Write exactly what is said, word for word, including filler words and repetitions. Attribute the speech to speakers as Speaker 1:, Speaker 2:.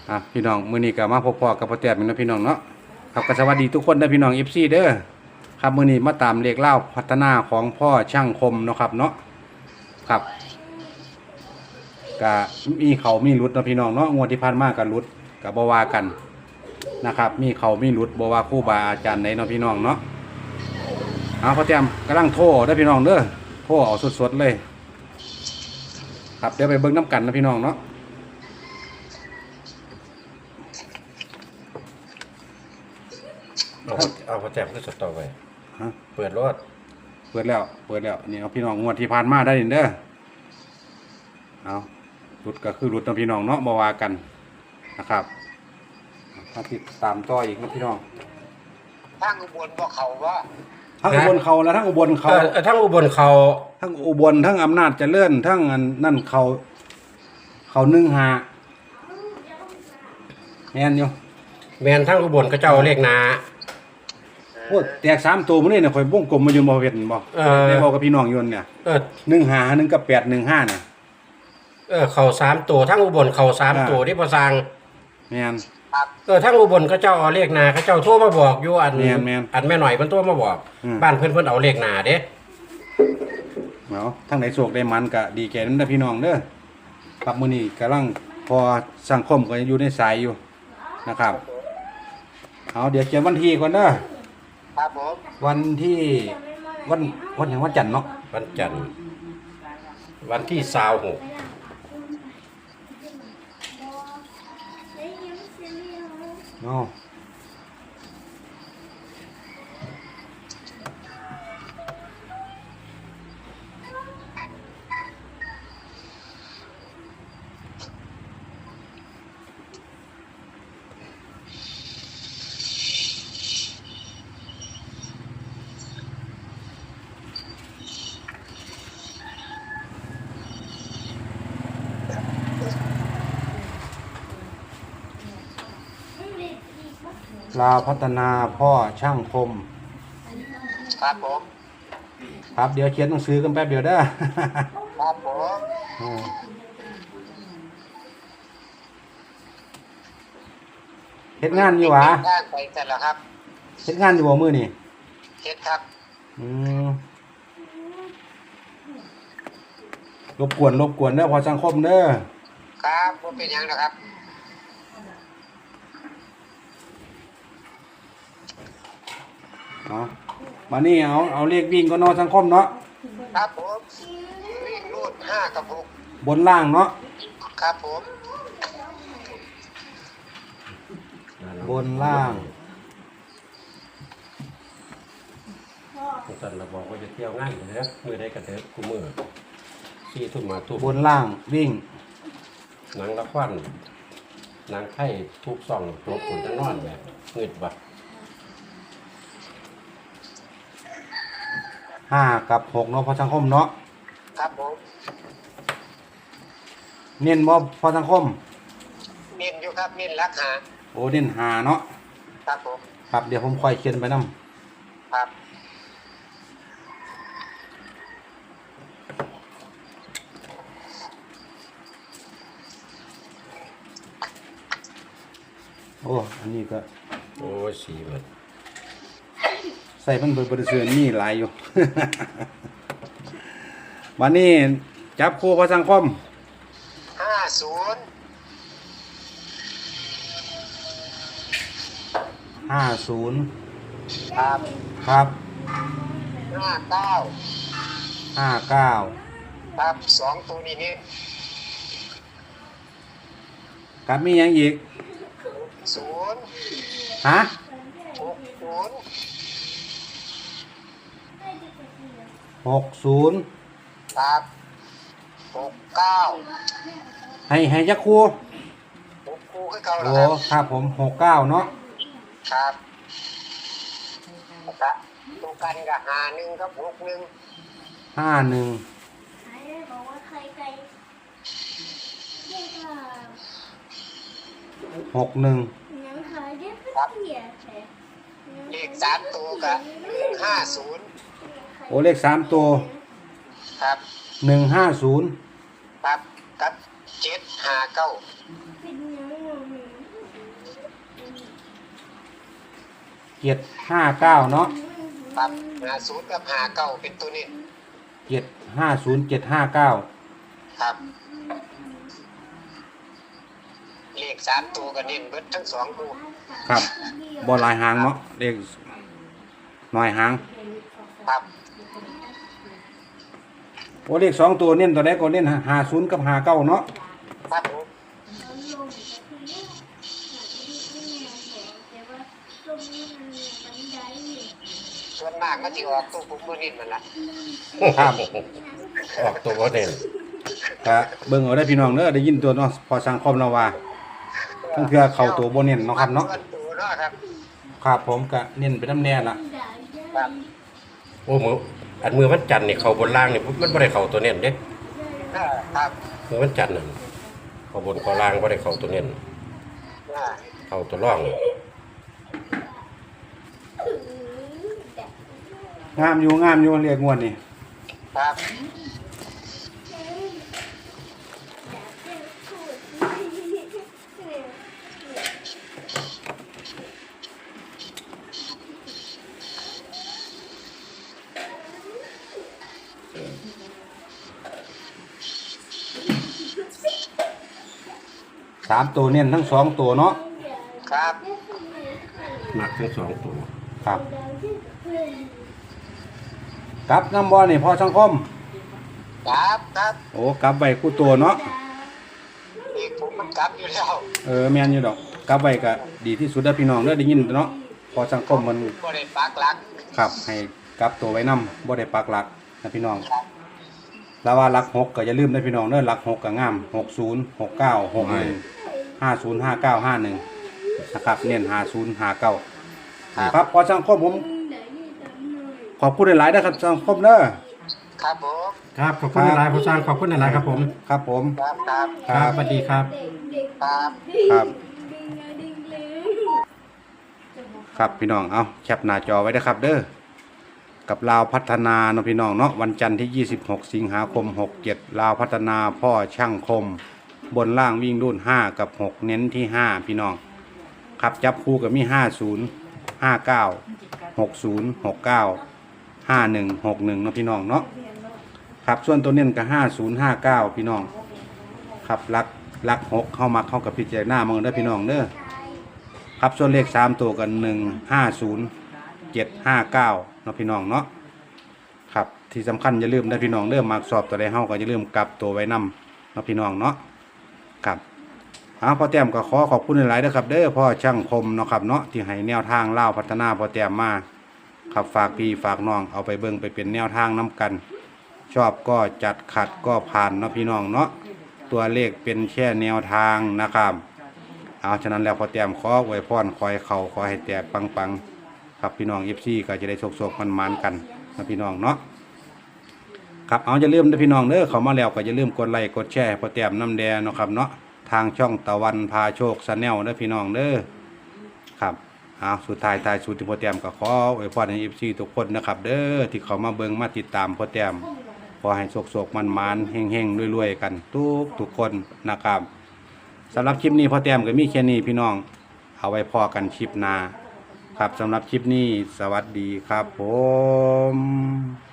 Speaker 1: อ่ะพี่น้องมื้อนี้ก็มาพบพ่อกับพ่อแต้มนะพี่น้องเนาะครับก็สวัสดีทุกคนนะพี่น้อง เอฟ ซี เด้อครับมื้อนี้มาตามเลขเล่าพัฒนาของพ่อช่างคมเนาะครับเนาะครับก็มีเขามีรุดเนาะพี่น้องเนาะงวดที่ผ่านมาก็รุดก็บ่ว่ากันนะครับมีเขามีรุดบ่ว่าครูบาอาจารย์ใดเนาะพี่น้องเนาะเอาพ่อแต้มกำลังโทรเด้อพี่น้องเด้อโทรเอาสดๆเลยครับเดี๋ยวไปเบิ่งน้ำกันนะพี่น้องเนาะ
Speaker 2: เอาเอาพอแจมก็สดต่อไป
Speaker 1: ฮะ
Speaker 2: เปิดรถ
Speaker 1: เปิดแล้วเปิดแล้วนี่เอาพี่น้องงวดที่ผ่านมาได้เด้อเอารุดก็คือรุดนะพี่น้องเนาะบ่ว่ากันนะครับถ้าติดตามต่ออีกนะพี่น้อง
Speaker 3: ทางอุบลบ่เขาว่า
Speaker 1: ทั้งอุบลเขาและทั้งอุบลเขา
Speaker 2: เออทั้งอุบลเขา
Speaker 1: ทั้งอุบลทั้งอำนาจเจริญทั้งอันนั่นเขาเขานึ่งหาแม่นอยู่
Speaker 2: แมนทั้งอุบลก็เจ้าเรียกนา
Speaker 1: โอ้แตกสามตัวมื้อนี้เนี่ยข่อยวงกลมมาอยู่บ่เฮ็ดบ่
Speaker 2: เออ
Speaker 1: ได้บอกกับพี่น้องอยู่เนี่ย
Speaker 2: เออ
Speaker 1: หนึ่งหาหนึ่งกับแปดหนึ่งห้าเนี่ย
Speaker 2: เออเขาสามตัวทั้งอุบลเขาสาม
Speaker 1: อ่า
Speaker 2: ตัวที่ประสัง
Speaker 1: แม่น
Speaker 2: เออทั้งอุบลก็เจ้าเอาเรียกนาก็เจ้าโทรมาบอกอยู่อัน
Speaker 1: แม่นแม่น
Speaker 2: อันแม่หน่อยเพิ่นโทรมาบอก
Speaker 1: อืม
Speaker 2: บ้านเพิ่นเพิ่นเอาเรียกนาเด้
Speaker 1: เอาทั้งไหนโศกได้มันก็ดีแก่นั้นนะพี่น้องเด้อครับมื้อนี้กำลังพอสังคมก็อยู่ในสายอยู่นะครับเอาเดี๋ยวเขียนวันที่ก่อนเด้อ
Speaker 3: ครับผม
Speaker 1: วันที่วันวันอย่างวันจันทร์เนาะ
Speaker 2: วันจันทร์วันที่สาวหก
Speaker 1: เนาะลาวพัฒนาพ่อช่างคม
Speaker 3: ครับผม
Speaker 1: ครับเดี๋ยวเขียนหนังสือกันแป๊บเดียวเด้อ
Speaker 3: ครับผม
Speaker 1: อืมเฮ็ดงานอยู่หวะ
Speaker 3: ทางไปเสร็จแล้วครับ
Speaker 1: เฮ็ดงานอยู่บ่มื้อนี่
Speaker 3: เฮ็ดครับ
Speaker 1: อืมรบกวนรบกวนเด้อพอสังคมเด้อ
Speaker 3: ครับบ่เป็นหยังนะครับ
Speaker 1: เนาะมานี่เอาเอาเลขวิ่งก็เนาะสังคมเนาะ
Speaker 3: ครับผมวิ่งรูดห้ากับหก
Speaker 1: บนล่างเนาะ
Speaker 3: ครับผม
Speaker 1: บนล่าง
Speaker 2: จันเราบอกว่าจะเที่ยวง่ายอยู่นะมือได้กันเถอะกูมือสี่ทุ่มมาทุ่ม
Speaker 1: บนล่างวิ่ง
Speaker 2: หนังละควันหนังไข่ทุกซ่องตัวขุนจะนอนแบบเงืดบัด
Speaker 1: ห้ากับหกเนาะพอสังคมเนาะ
Speaker 3: ครับผม
Speaker 1: เน้นบ่พอสังคม
Speaker 3: เน้นอยู่ครับเน้นรักหา
Speaker 1: โอ้เน้นหาเนาะ
Speaker 3: ครับผม
Speaker 1: ครับเดี๋ยวผมค่อยเขียนไปนํ
Speaker 3: ครับ
Speaker 1: โอ้อันนี้ก็
Speaker 2: โอ้ยสีเบิด
Speaker 1: ใส่เพิ่นเบิดบ่ได้ซื้อมีหลายอยู่ บัดนี้จับคู่พอสังคม
Speaker 3: ห้าศูนย์
Speaker 1: ห้าศูนย์
Speaker 3: ครับ
Speaker 1: ครับ
Speaker 3: ห้าเก้า
Speaker 1: ห้าเก้า
Speaker 3: ครับสองตัวนี้นี่
Speaker 1: ครับมีหยังอีก
Speaker 3: ศูนย์
Speaker 1: ฮะ
Speaker 3: หกศูนย์
Speaker 1: หกศูนย์
Speaker 3: ครับหกเก้า
Speaker 1: ให้ให้จักคู่
Speaker 3: หกคู่คือเก่าแล้ว
Speaker 1: โอ้
Speaker 3: ครับ
Speaker 1: ครับผมหกเก้าเนาะ
Speaker 3: ครับครับตัวกันกับหาหนึ่งกับหกหนึ่ง
Speaker 1: ห้าหนึ่ง
Speaker 4: บอกว่าใครไกลเรียกว่า
Speaker 1: หกหนึ่ง
Speaker 4: หนังขายเรียกเสียแท้
Speaker 3: เลขสามตัวกับหนึ่งห้าศูนย์
Speaker 1: โอ้เลขสามตัว
Speaker 3: ครับ
Speaker 1: หนึ่งห้าศูนย์
Speaker 3: ครับกับเจ็ดห้าเก้า
Speaker 4: เป็นหนังหนัง
Speaker 1: เจ็ดห้าเก้าเนาะ
Speaker 3: ครับห้าศูนย์กับห้าเก้าเป็นตัวนี้
Speaker 1: เจ็ดห้าศูนย์เจ็ดห้าเก้า
Speaker 3: ครับเลขสามตัวก็เน้นเบิดทั้งสองตัว
Speaker 1: ครับบ่หลายหางเนาะเลขน้อยหาง
Speaker 3: ครับ
Speaker 1: โอ้เลขสองตัวเน้นตัวใดก็เน้นห้าศูนย์กับห้าเก้าเนาะ
Speaker 3: ครับผม ส่วนมากก็จะออกตัวผมตัวนี้มันละ
Speaker 1: ครับ
Speaker 2: ออกตัวบ่เด่น
Speaker 1: ก็เบิ่งเอาได้อพี่น้องเด้อได้ยินตัวเนาะพอสังคมเราว่าทั้งเทื่อเข้าตัวบ่เน้นเนาะครับเนาะ
Speaker 3: ตัวเนาะครับ
Speaker 1: ครับผมก็เน้นไปน้ำแน่ล่ะ
Speaker 3: ครับ
Speaker 2: โอ้มืออันมือวันจันทร์นี่เขาบนล่างนี่มันบ่ได้เข้าตัวเน้นเด้
Speaker 3: อ่าครับ
Speaker 2: มือวันจันทร์นั่นเขาบนเขาล่างบ่ได้เข้าตัวเน้น
Speaker 3: อ่า
Speaker 2: เข้าตัวร่อง
Speaker 1: งามอยู่งามอยู่เรียกงวดนี่
Speaker 3: ครับ
Speaker 1: สามตัวเน้นทั้งสองตัวเนาะ
Speaker 3: ครับ
Speaker 2: มักทั้งสองตัว
Speaker 1: ครับกลับน้ำบ่นี่พอสังคม
Speaker 3: ครับครับ
Speaker 1: โอ้กลับไว้คู่ตัวเนาะ
Speaker 3: อีกผมมันกลับอยู่แล้ว
Speaker 1: เออแม่นอยู่ดอกกลับไว้ก็ดีที่สุดเด้อพี่น้องเด้อได้ยินเนาะพอสังคมมัน
Speaker 3: บ่ได้ปักหลัก
Speaker 1: ครับให้กลับตัวไว้นำบ่ได้ปักหลักนะพี่น้อง
Speaker 3: ครับ
Speaker 1: แล้วว่าหลักหกก็อย่าลืมนะพี่น้องเด้อหลักหกก็งามหกศูนย์ หกเก้า หกหนึ่ง ห้าศูนย์ ห้าเก้า ห้าหนึ่งนะครับเน้นห้าศูนย์ ห้าเก้าครับพอสังคมผมขอบคุณหลายๆนะครับสังคมเด้อ
Speaker 3: ครับผม
Speaker 2: ครับขอบคุณหลายๆผู้สร้างขอบคุณหลายๆครับผม
Speaker 1: ครับผม
Speaker 3: ครับครับ
Speaker 2: ครับสวัสดีครับ
Speaker 3: ครับ
Speaker 1: ครับ ครับพี่น้องเอาแคปหน้าจอไว้นะครับเด้อกับลาวพัฒนาเนาะพี่น้องเนาะวันจันทร์ที่ยี่สิบหกสิงหาคมหกเจ็ดลาวพัฒนาพ่อช่างคม บนล่างวิ่งรุ่นห้ากับหกเน้นที่ห้าพี่น้องครับจับคู่กับมีห้าศูนย์ ห้าเก้า หกศูนย์ หกเก้า ห้าหนึ่ง หกหนึ่งเนาะพี่น้องเนาะครับส่วนตัวเน้นกับห้าศูนย์ ห้าเก้าพี่น้องครับลักลักหกเข้ามาเข้ากับพิจารณาเมืองเด้อพี่น้องเด้อครับส่วนเลขสามตัวกันหนึ่งห้าศูนย์เจ็ดห้าเก้าเนาะพี่น้องเนาะครับที่สำคัญอย่าลืมนะพี่น้องเริ่มมากสอบตัวใดเฮาก็อย่าลืมกลับตัวไว้นำเนาะพี่น้องเนาะครับเอาพ่อแต้มก็ขอขอบคุณหลายๆนะครับเด้อพ่อช่างคมเนาะครับเนาะที่ให้แนวทางเล่าพัฒนาพ่อแต้มมาครับฝากพี่ฝากน้องเอาไปเบิ่งไปเป็นแนวทางนํกัน ชอบก็จัดขัดก็ผ่านเนาะพี่น้องเนาะตัวเลขเป็นแค่แนวทางนะครับเอาฉะนั้นแล้วพ่อแต้มขออวยพรขอให้เขาขอให้แตกปังๆครับพี่น้อง เอฟ ซี ก็จะได้โชคๆมันๆกันนะพี่น้องเนาะครับเอาอย่าลืมนะพี่น้องเด้อเขามาแล้วก็อย่าลืมกดไลค์กดแชร์พ่อแต้มน้ำแดงเนาะครับเนาะทางช่องตะวันพาโชคชาแนลเด้อพี่น้องเด้อครับเอาสุดท้ายท้ายสุดที่พ่อแต้มก็ขออวยพรให้ เอฟ ซี ทุกคนนะครับเด้อที่เขามาเบิ่งมาติดตามพ่อแต้มขอให้โชคๆมันๆเฮงๆรวยๆกันทุกทุกคนนะครับสำหรับคลิปนี้พ่อแต้มก็มีแค่นี้พี่น้องเอาไว้พอกันคลิปหน้าครับสำหรับคลิปนี้สวัสดีครับผม